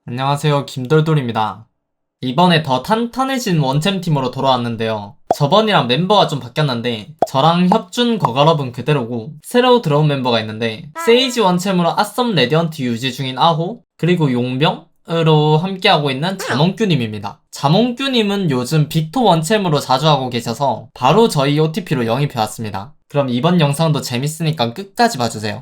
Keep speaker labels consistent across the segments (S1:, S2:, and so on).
S1: 안녕하세요, 김돌돌입니다. 이번에 더 탄탄해진 원챔팀으로 돌아왔는데요. 저번이랑 멤버가 좀 바뀌었는데 저랑 협준 거걸업은 그대로고 새로 들어온 멤버가 있는데 세이지 원챔으로 아썸 레디언트 유지 중인 아호 그리고 용병으로 함께하고 있는 자몽규님입니다. 자몽규님은 요즘 빅토 원챔으로 자주 하고 계셔서 바로 저희 OTP로 영입해왔습니다. 그럼 이번 영상도 재밌으니까 끝까지 봐주세요.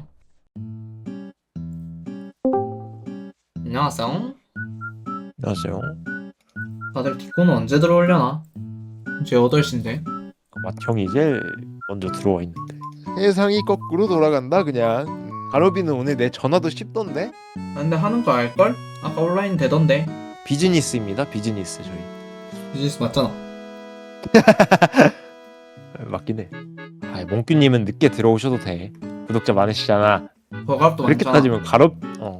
S1: 안녕하세요.
S2: 안녕하세요.
S1: 다들 디코는 언제 들어오려나? 이제 8시인데.
S2: 맏형이 제일 먼저 들어와 있는데.
S3: 세상이 거꾸로 돌아간다 그냥. 가로비는 오늘 내 전화도 씹던데?
S1: 근데 하는 거 알걸? 아까 온라인 되던데.
S2: 비즈니스입니다. 비즈니스 저희.
S1: 비즈니스 맞잖아.
S2: 맞긴 해. 아, 몽규님은 늦게 들어오셔도 돼. 구독자 많으시잖아.
S1: 버갑도
S2: 그렇게
S1: 많잖아.
S2: 따지면 가롭.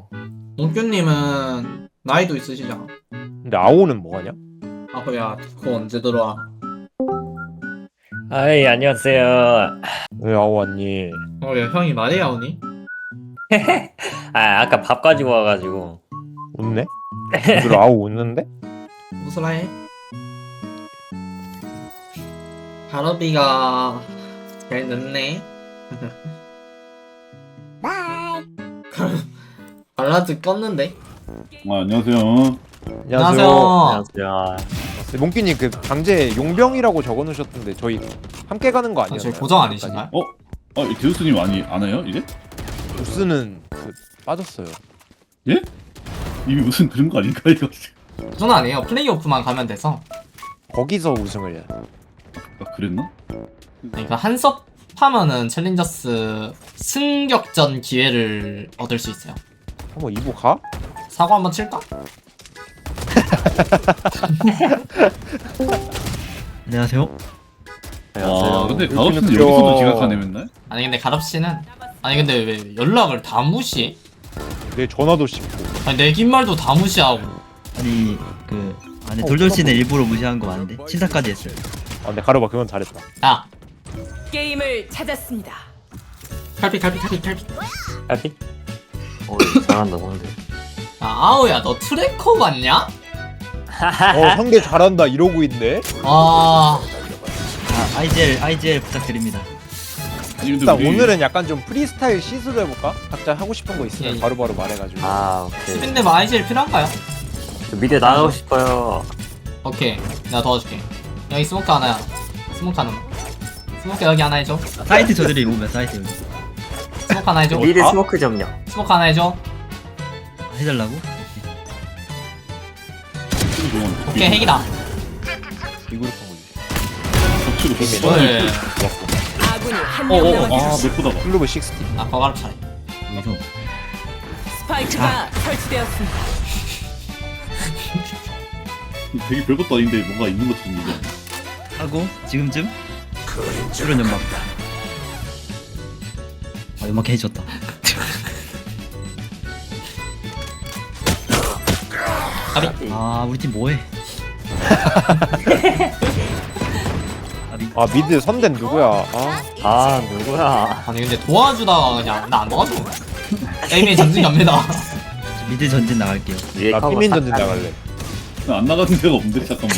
S1: 몽규님은 나이도 있으시잖아.
S2: 근데 아오는 뭐하냐?
S1: 아호야 디코 언제 들어와?
S4: 아이 안녕하세요.
S2: 왜 아오 왔니?
S1: 야 형이 말해야 오니?
S4: 아까 밥 가지고 와가지고.
S2: 웃네? 오늘 아오 웃는데?
S1: 웃으라 해. 가로비가 잘 늦네. 발라드 껐는데?
S5: 안녕하세요.
S1: 안녕하세요.
S4: 안녕하세요.
S2: 네, 몽규님 그 강제 용병이라고 적어놓으셨던데 저희 함께 가는 거
S1: 저희
S2: 아니었나요?
S1: 고정 아니신가요?
S5: 디우스님 안 해요 이제?
S2: 우스는 그 빠졌어요.
S5: 예? 이미 무슨 그런 거 아닌가 이거?
S1: 고정 아니에요. 플레이오프만 가면 돼서.
S2: 거기서 우승을 해야 돼.
S5: 아 그랬나?
S1: 그러니까 한섭 하면은 챌린저스 승격전 기회를 얻을 수 있어요.
S2: 한번 2부 가?
S1: 사고 한번 칠까?
S6: 안녕하세요.
S5: 아 근데
S2: 이렇게는
S5: 가업씨는
S2: 귀여워.
S5: 여기서도 지각하네 맨날?
S1: 아니 근데 가럽 씨는 아니 근데 왜 연락을 다 무시해?
S2: 내 전화도 씹고.
S1: 아니 내 긴 말도 다 무시하고.
S6: 아니 돌돌 씨는 일부러 무시한 거 맞는데 신사까지 했어요.
S2: 아 근데 가로봐 그건 잘했다.
S1: 야
S7: 게임을 찾았습니다.
S1: 칼피.
S4: 까비? 오 잘한다 상대.
S1: 야 아오야 너 트래커 맞냐?
S2: 상대 잘한다 이러고 있네.
S1: 아
S6: IGL 부탁드립니다.
S5: 아니 근데
S2: 일단
S5: 우리
S2: 오늘은 약간 좀 프리스타일 시술을 해볼까? 각자 하고 싶은 거 있으면
S1: 예.
S2: 바로바로 말해가지고.
S4: 아 오케이.
S1: 스빈데 뭐 IGL 필요한가요?
S4: 저 미대 나가고 싶어요.
S1: 오케이 내가 도와줄게. 여기 스모크 하나야. 스모크 하나. 스모크 여기 하나 해줘.
S6: 사이트 저들이 오면 사이트 여기
S1: 스모크 하나 해줘.
S4: 미대 스모크 점령.
S1: 스모크 하나 해줘.
S6: 해달라고?
S1: 오케이 핵이다.
S2: 이그룹 한 거지.
S5: 겹치고 겹치고
S1: 오늘
S7: 아군이 한 명 남았습니다.
S5: 아 몇보다가
S2: 클로브 60.
S1: 아 거가럽 차례.
S6: 여기서
S7: 스파이크가 설치되었습니다.
S5: 되게 별것도 아닌데 뭔가 있는 것처럼 얘기하네.
S6: 하고 지금쯤 수련 연막. 아 연막 해줬다. 아 우리 팀 뭐해?
S2: 아 미드 선댄 누구야?
S4: 아 누구야?
S1: 아니 근데 도와주다가 그냥 나 안 도와줘. 게임에 전진이 갑니다.
S6: 미드 전진 나갈게요.
S4: 위에
S2: 나
S4: 커버
S2: 피민
S4: 싹
S2: 전진
S4: 다-
S2: 나갈래.
S5: 안 나가는 데가 없는데 잠깐만.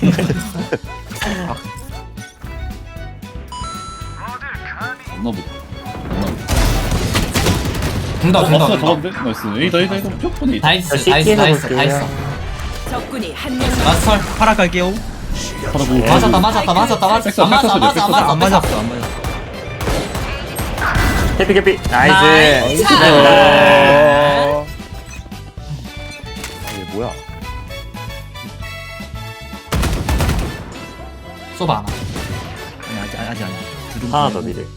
S5: 없나 보다.
S1: 된다.
S5: 아까 잡았는데? 나이스. 에이다. 무조건 에이다.
S1: 나이스.
S4: CT 에서 볼게요.
S7: 적군이 한 명
S1: 마스터
S6: 파라 갈게요.
S5: 바라보고.
S1: 맞았다. 안 맞아. 안 맞아.
S6: 안 맞았어 안 맞았어.
S4: 캐피.
S1: 나이스.
S4: 나이스.
S2: 이게 뭐야?
S1: 쏘봐 하나.
S6: 아니 아직 두둥
S4: 하나 더 미대.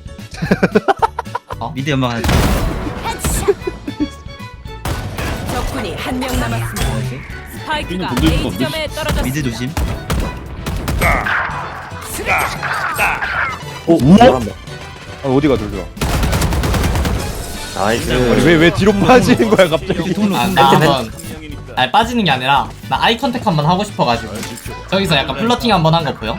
S6: 미드 연막 하나.
S7: 적군이 한 명 남았습니다. 스파이크가
S5: 던질 수가
S7: A 지점에 떨어졌습니다.
S6: 미드 조심.
S4: 오 잘한다.
S2: 어디가 돌려?
S4: 나이스.
S2: 왜 뒤로 빠지는 거야 갑자기?
S6: 통로
S1: 아, 나 한번 아니 빠지는 게 아니라 나 아이 컨택 한번 하고 싶어가지고 저기서 약간 플러팅 한번 한 거 보여?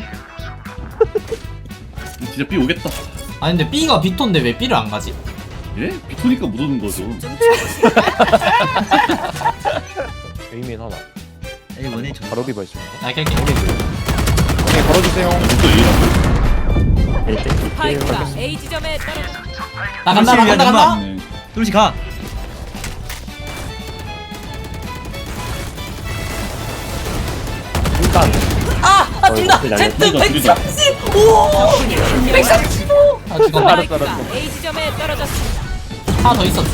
S5: 진짜 B 오겠다.
S1: 아니 근데 B가 B톤데 왜 B를 안 가지?
S5: 예? 비토니까 못 오는 거죠.
S2: 에이민 하나.
S6: 에이 원에 저.
S2: 바로 비버 있습니다.
S1: 나 깰게.
S3: 오케이 걸어주세요.
S5: 또 A라고?
S4: 1대
S7: 스파이크가 A 지점에 떨어졌습니다.
S1: 나 간다 나 간다 간다.
S5: 네.
S6: 뚜루시 가.
S4: 일단
S1: 아 둘다
S4: 둘다,
S1: Z
S5: 둘다, 둘다.
S1: 130. 오. 135. 아 죽었네.
S7: 스파이크가 A 지점에 떨어졌습니다.
S1: 하나 더 있었어.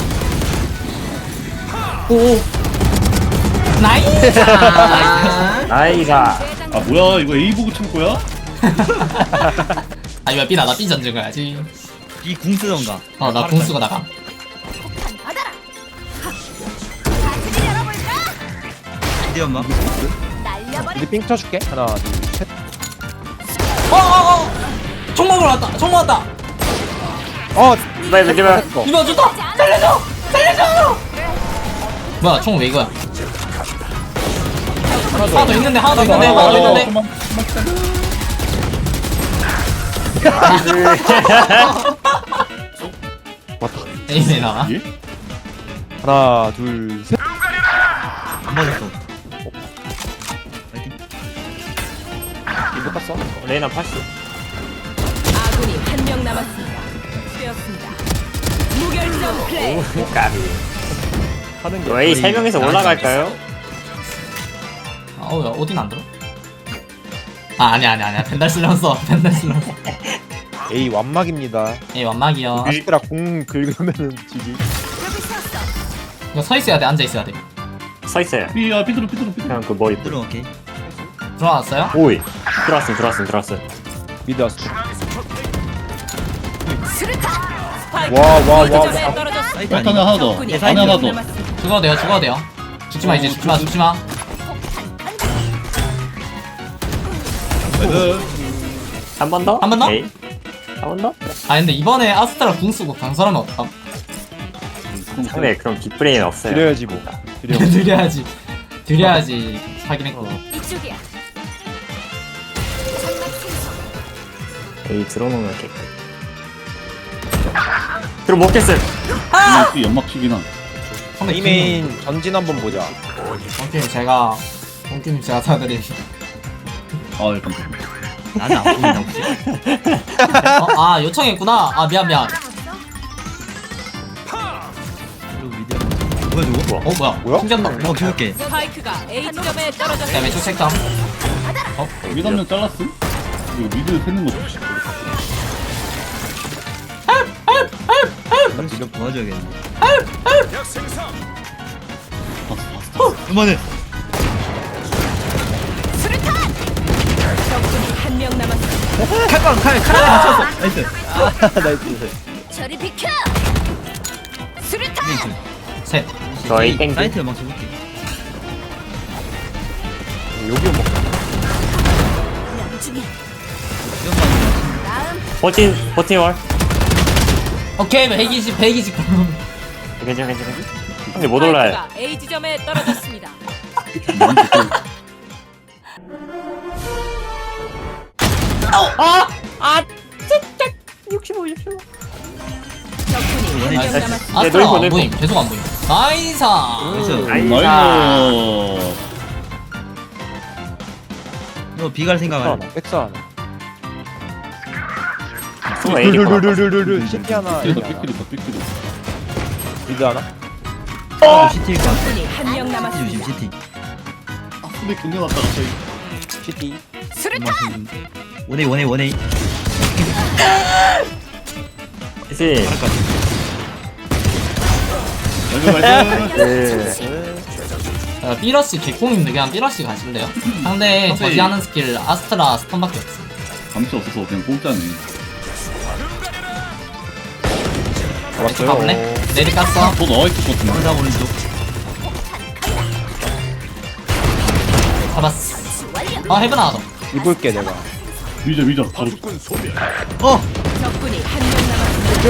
S1: 오. 나이스.
S4: 나이가
S5: 아 뭐야 이거 A 보고 친 거야?
S1: 아 이거 B 나다 B 전쟁 가야지.
S6: 비궁 쓰던가.
S1: 나 공수가 나가.
S6: 이대 엄마.
S2: 이제 삥 쳐줄게. 하나, 둘, 셋.
S1: 총 먹으러 왔다. 총 먹었다.
S4: 빨리 제발
S1: 이거 좋다. 살려줘. 살려줘. 뭐야 총 왜 이거야? 하나 더 있는데 하나 더 있는데 하나 더 있는데.
S5: 그만
S1: 에이네 나와.
S5: 예?
S2: 하나, 둘, 셋.
S6: 안 맞았어. 파이팅.
S2: 이거 땄어.
S4: 레이나 80
S7: 아군이 한 명 남았습니다. 되었습니다. 무결점 플레이.
S4: 까비
S2: 하는 게.
S4: 이거 A 3명에서 올라갈까요?
S1: 어우 야 어딘 안 들어? 아 아니야 벤달 쓸려서 벤달 쓸려서.
S2: A 완막입니다.
S1: 에이 완막이요.
S2: 아스트라 공 긁으면은 지기.
S1: 이거 서 있어야 돼 앉아 있어야 돼.
S4: 서있어요
S5: B야 삐뚤어
S4: 그냥 그 머리
S6: 뚜루 오케이.
S1: 들어왔어요?
S4: 오이 들어왔음
S2: 미드 아스트라.
S7: 스파이크
S2: 와, 와,
S7: B
S2: 와,
S7: 지점에
S2: 와.
S7: 떨어졌습니다.
S6: 사이트
S5: 하나
S6: 아니야?
S5: 하나 더
S7: 적군이
S6: 사이트
S7: 한
S5: 하나
S7: 명
S5: 더
S7: 남았습니다.
S1: 죽어도 돼요. 죽지 마 이제 죽지 마 죽지 마.
S4: 한 번 더?
S1: 한번 더?
S4: 오케이. 한 번 더?
S1: 아 근데 이번에 아스트라 궁 쓰고 강설하면 어떡함?
S4: 상대 그럼 빅브레인 없어요
S2: 드려야지 뭐. 드려.
S1: 드려야지. 드려야지 하긴 했고.
S7: 이쪽이야.
S4: A 들어놓으면 깨끗 들어 먹겠음
S5: B 연막치기나
S1: 선배
S2: 이메인 전진 한번 보자.
S1: 오케이 제가 동규님 제가 사드린.
S5: 아 약간
S6: 나는 안 보인다 혹시?
S1: 아 요청했구나. 아 미안.
S6: 그리고 미디어. 뭐야 누구?
S1: 뭐야?
S2: 뭐야?
S1: 신기한다.
S6: 어 키울게.
S7: 스파이크가 A 지점에
S1: 야
S7: 떨어졌습니다.
S1: 왼쪽 색감.
S5: 미드 한명 잘랐음? 이거 미드 세는 거 좋지
S6: 뚜루시 좀 도와줘야겠네.
S5: 봤어
S6: 그만해.
S7: 적군이 한 명 남았습니다.
S6: 칼에 맞췄어. 나이스.
S2: 나이스.
S7: 저리 비켜. 수류탄.
S1: 셋.
S4: 저 A 땡기
S6: 사이트 막 쳐볼게.
S2: 여기 뭐.
S4: 버틴 월
S1: 오케이 120.
S4: 괜찮아 근데 못 올라요
S7: 스파이크가 A 지점에 떨어졌습니다. 적군이 한 명
S1: 나이스.
S7: 남았습니다.
S1: 아스트라
S4: 노리고,
S1: 안
S4: 노리고.
S1: 보임. 계속 안 보임. 나이사.
S6: 나이스.
S5: 나이스
S6: 너 비갈 생각 안 해.
S2: 하나. 백사 하나.
S4: 또 A 리퍼
S2: 룰룰룰룰룰. 시티 하나.
S5: 얘도
S2: 여기 하나.
S5: 삐뚤이다 삐뚤이
S2: 미드 하나.
S6: 시티일 것 같아.
S7: 적군이 한 명
S6: 시티
S7: 남았습니다.
S6: 조심 시티.
S5: 근데 경련 왔다 갑자기
S2: 시티.
S6: 원에.
S4: 그치
S6: 잘할 것 같아.
S5: 나이스
S1: 삐러시 개꽁인데 그냥 삐러시 가실래요? 상대 저지하는 스킬 아스트라 스턴밖에 없어.
S5: 감시 없어서 그냥 공짜네
S1: 왼쪽 가볼래? 내리 깠어.
S5: 더 나와있을 것 같은데
S6: 오른쪽 오른쪽.
S1: 잡았어. 헤븐 하나 더.
S2: 입을게 내가.
S5: 미저 바로
S6: 어.
S7: 적군이 한 명 남았습니다.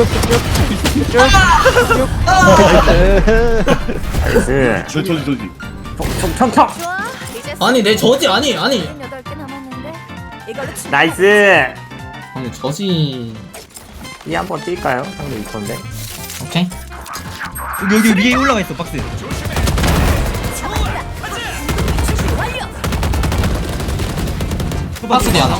S4: 나이스
S5: 저지
S4: 평평
S1: 아니 내 저지 아니.
S8: 8개 남았는데 이걸로
S4: 나이스
S1: 아니 저지.
S4: 이 한번 뛸까요? 상대 이건데
S1: 오케이.
S6: 여기 위에 올라가 있어 박스.
S1: 박스 뒤 하나.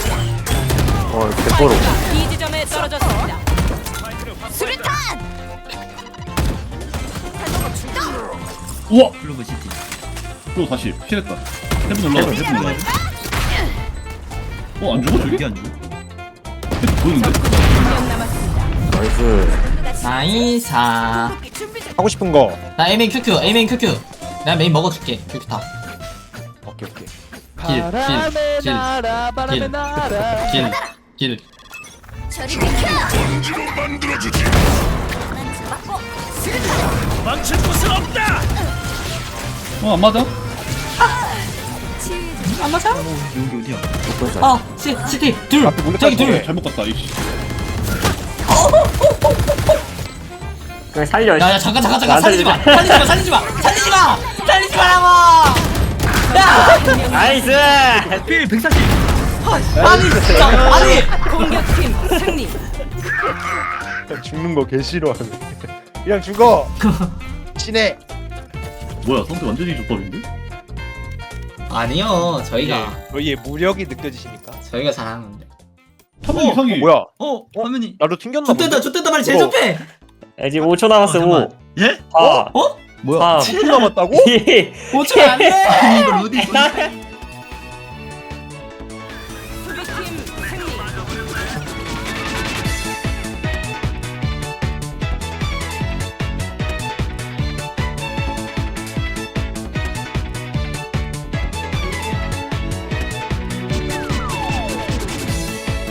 S4: 개뽀로.
S7: 이 지점에 떨어졌습니다. 수류탄.
S5: 우와!
S6: 클로브 시티.
S5: 또 다시 피했다. 해븐 올라가. 해븐 올라가. 안 죽어 저게?
S6: 이게 안 죽어?
S5: 해븐 보이는데?
S7: 한명 남았습니다.
S4: 나이스.
S1: 나이사.
S2: 하고 싶은 거.
S1: 나 에이메인 큐큐, 에이메인 큐큐. 내가 메인 먹어줄게. 큐큐 다.
S2: 오케이 오케이.
S1: 길, 길, 길, 길.
S8: 저리 비켜.
S5: 안 맞아?
S1: 안 맞아?
S6: 여기 어디야?
S1: 아, 시티 둘.
S2: 앞에 몰래
S1: 저기
S2: 깔
S1: 둘.
S5: 잘못 갔다 이씨.
S4: 그냥 살려.
S1: 야, 잠깐,
S4: 안
S1: 살리지 마,
S4: 살리지
S1: 살리지 말라고. 야,
S4: 나이스.
S6: 필 140.
S1: 아니, 진짜, 아니.
S7: 공격팀 승리.
S3: 죽는 거 개 싫어하네. 그냥 죽어. 친해.
S5: 뭐야 상대 완전히 족밥인데?
S1: 아니요, 저희가
S3: 너희의 무력이 느껴지십니까?
S1: 잘하는데.
S5: 한번 이상해.
S3: 뭐야?
S6: 화면이.
S3: 나도 튕겼나 본데?
S1: 좋댔다 말 제일
S3: 이거.
S1: 좋대.
S4: 이제 5초 남았어. 5,
S6: 잠깐만. 예?
S4: 4,
S1: 어?
S6: 뭐야?
S4: 3,
S3: 10분 남았다고?
S4: 2.
S1: 5초 안 돼.
S6: 이거 로딩.